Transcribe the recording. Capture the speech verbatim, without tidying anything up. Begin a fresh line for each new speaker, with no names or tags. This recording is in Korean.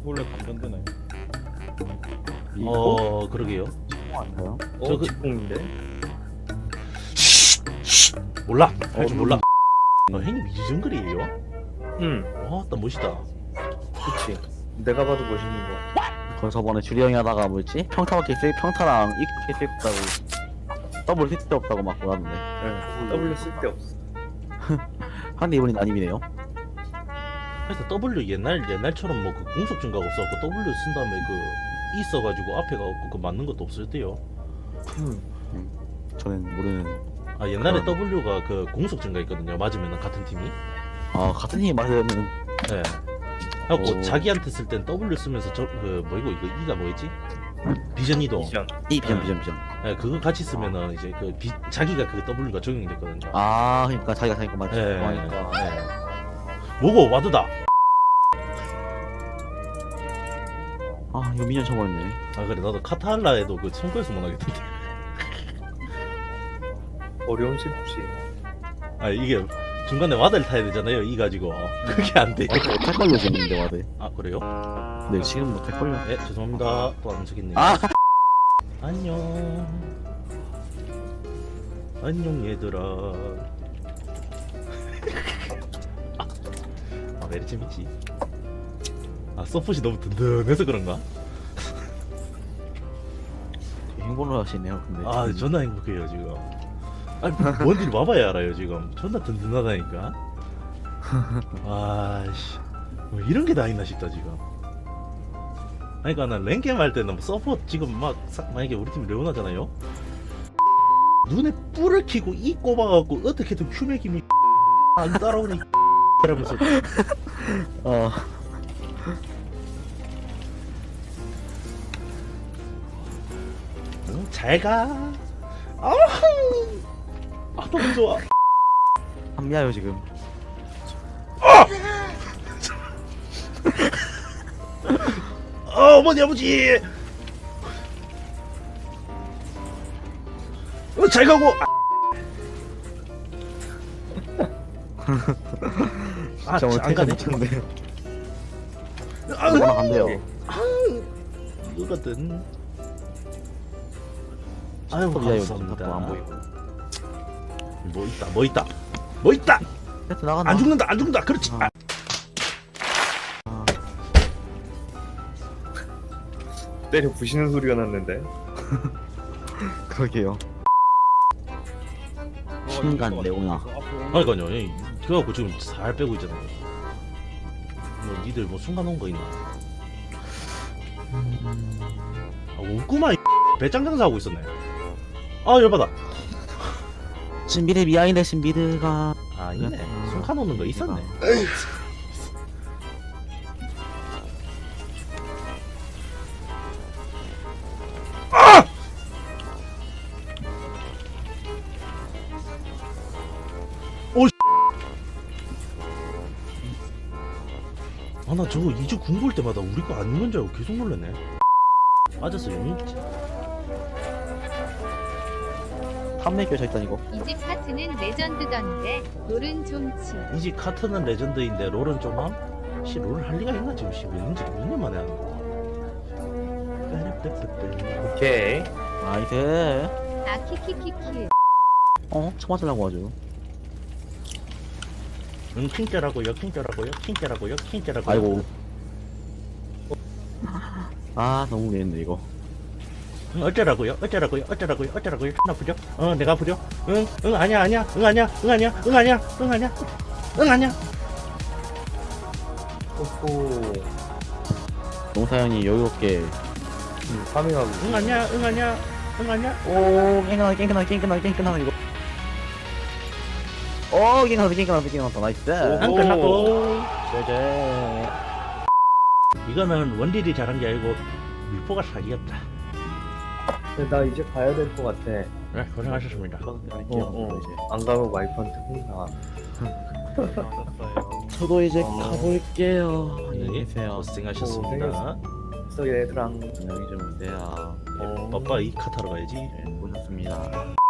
원래 감전되나요?
어 그러게요.
아닌가요?
저
어,
그-
직공인데?
몰라. 할 줄
어,
몰라. 어, 형님 이정글이에요?
응,
와, 나 멋있다.
그치. 내가 봐도 멋있는 거 같아.
거기 저번에 주리 형이 하다가 뭐였지? 평타밖에 쓸 평타랑 이렇게 쓸 없다고 더블 쓸데 없다고 막 뭐라던데.
응, W 쓸데 없어.
근데 이번엔 아님이네요.
그래서 W 옛날 옛날처럼 뭐 그 공속 증가가 없어갖고 W 쓴 다음에 그 E 써가지고 앞에가 없고 그 맞는 것도 없었대요.
응.
저는 모르는.
아 옛날에
그럼.
W가 그 공속 증가 있거든요. 맞으면 같은 팀이.
아 같은 팀이 맞으면
네. 하고
오.
자기한테 쓸 땐 W 쓰면서 저 그 뭐이고 이거 E가 뭐였지? 비전 이동.
이전.
이 비전
네.
비전 비전.
네, 그거 같이 쓰면은 이제 그 비, 자기가 그 W가 적용이 됐거든요.
아 그러니까 자기가 자기 거 맞지.
네.
그러니까.
네. 뭐고 와드다.
아 이거 미니언 쳐버렸네.
아 그래 나도 카타할라에도 그 손거에서 못 하겠던데.
어려운 쉽지.
아 이게 중간에 와드를 타야 되잖아요. 이 가지고 그게 안 돼요.
어, 못할걸요 지금인데 와드.
아 그래요?
네 지금 못할걸요.
네 죄송합니다. 또 안 적겠네요.
아
안녕. 안녕 얘들아. 아 왜 이렇게 재밌지? 아 서폿이 너무 든든해서 그런가?
행복을 하시네요. 근데.
아 존나 행복해요 지금. 아니 뭔일 와봐야 알아요 지금. 존나 든든하다니까. 아씨 뭐 이런 게 다 있나 싶다 지금. 아니 그니까 난 랭겜 할 때는 뭐 서폿 지금 막 사, 만약에 우리 팀이 레오나잖아요. 눈에 뿔을 키고 이 꼽아갖고 어떻게든 큐맥임이 안 따라오니 이러면서
어.
응, 잘가. 아우 아 너무 좋아.
합리하요 지금.
어, 어머니 아버지. 어, 잘 가고. 아,
진짜
안 가네.
못하는데.
아,
이거나 간대요.
이거거든. 아유,
미아요
감사합니다.
안 보이고.
뭐 있다, 뭐 있다, 뭐 있다.
세트 나간다.
안 죽는다, 안 죽는다. 그렇지.
아.
아,
때려 부시는 소리가 났는데.
그러게요. 순간 레오나.
그러니까요. 이- 그래갖고 지금 살 빼고 있잖아요. 뭐 니들 뭐 순간 온 거 있나? 아, 웃구만 이 배짱 장사하고 있었네. 아 열받아.
신비드 미아인데 신비드가
아 있네.
음.
순간 오는 거 있었네. 아 나 저거 이주 궁 볼 때마다 우리 거 아닌 줄 알고 계속 놀랐네. 빠졌어 용이.
탐내 껴져 있다 이거.
이집 카트는 레전드던데 롤은 좀 치.
이지 카트는 레전드인데 롤은 좀함? 씨 롤 할 리가 있나 지금 씨 몇년째 몇 년 만에 하는 거.
오케이.
나이스.
아 키키키키.
어? 쳐맞으려고 하죠.
응 킹짜라고요 킹짜라고요 킹짜라고요 킹짜라고요.
아이고. 아 너무 재밌네 이거.
응, 어쩌라고요 어쩌라고요 어쩌라고요 어쩌라고요 나 아프죠? 어 내가 아프죠? 응응 아니야 아니야 응 아니야 응 아니야 응 아니야 응 아니야 응 아니야.
오호.
농사연이 여유롭게.
음, 파밍하고.
응 아니야 응 아니야 응 아니야.
오 깽끈하다 깽끈하다 깽끈하다 깽끈하다 이거. 오 깽끈하다 깽끈하다 깽끈하다 나이스.
안 끝났고.
제제.
이거는 원딜이 잘한 게 아니고 밀포가 사기였다.
근데 나 이제 가야 될 것 같아.
네 고생하셨습니다.
어, 어. 안 가면 와이프한테 혼나.
저도 이제
어.
가볼게요. 안녕히
네
계세요.
고생하셨습니다.
그래서 얘들랑.
안녕히 좀 계세요.
어.
빠빠 이 카타로 가야지.
네, 고생하셨습니다.